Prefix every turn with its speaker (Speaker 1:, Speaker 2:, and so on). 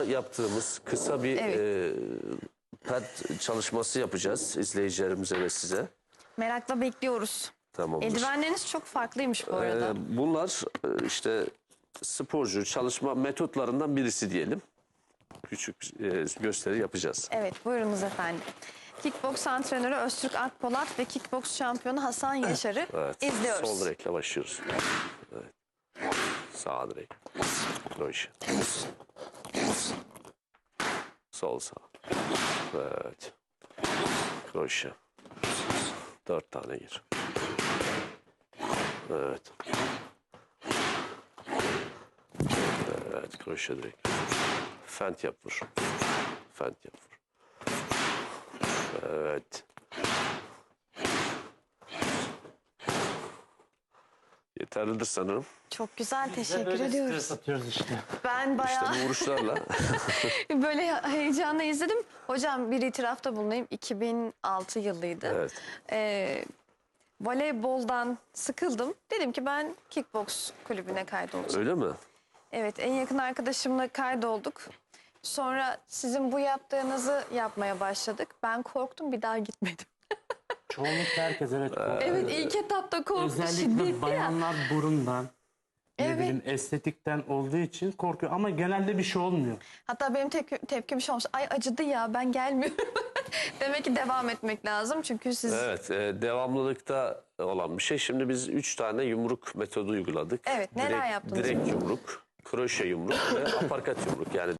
Speaker 1: Yaptığımız kısa bir
Speaker 2: Evet.
Speaker 1: ped çalışması yapacağız izleyicilerimize ve size.
Speaker 2: Merakla bekliyoruz.
Speaker 1: Tamamdır.
Speaker 2: Eldivenleriniz çok farklıymış bu arada.
Speaker 1: Bunlar işte sporcu çalışma metotlarından birisi diyelim. Küçük gösteri yapacağız.
Speaker 2: Evet, buyurunuz efendim. Kickboks antrenörü Öztürk Akpolat ve kickboks şampiyonu Hasan Yaşar'ı
Speaker 1: Evet.
Speaker 2: izliyoruz.
Speaker 1: Sol direkle başlıyoruz. Evet. Sağ direk. Kroşe. Sol sağ. Evet. Kroşe. 4 tane gir. Evet. Evet. Kroşe direkt. Fent yap vur. Fent yap vur. Evet. Yeterlidir sanırım.
Speaker 2: Çok güzel, teşekkür
Speaker 3: Böyle
Speaker 2: ediyoruz.
Speaker 3: stres atıyoruz işte.
Speaker 2: Ben bayağı
Speaker 1: İşte bu vuruşlarla.
Speaker 2: böyle heyecanla izledim. Hocam bir itirafta bulunayım. 2006 yılıydı.
Speaker 1: Evet.
Speaker 2: Voleyboldan sıkıldım. Dedim ki ben kickboks kulübüne kaydolacağım.
Speaker 1: Öyle mi?
Speaker 2: Evet, en yakın arkadaşımla kaydolduk. Sonra sizin bu yaptığınızı yapmaya başladık. Ben korktum, bir daha gitmedim.
Speaker 3: Çoğunlukla herkes evet korkuyor.
Speaker 2: Evet, ilk etapta korktu,
Speaker 3: Özellikle
Speaker 2: şiddetli ya.
Speaker 3: bayanlar burundan, ne
Speaker 2: Evet.
Speaker 3: bileyim estetikten olduğu için korkuyor. Ama genelde bir şey olmuyor.
Speaker 2: Hatta benim tepkim şey olmuş. Ay acıdı ya, ben gelmiyorum. Demek ki devam etmek lazım çünkü siz...
Speaker 1: Evet, devamlılıkta olan bir şey. Şimdi biz 3 tane yumruk metodu uyguladık.
Speaker 2: Evet, neler yaptınız?
Speaker 1: Direkt yumruk, kroşe yumruk ve aparkat yumruk. Yani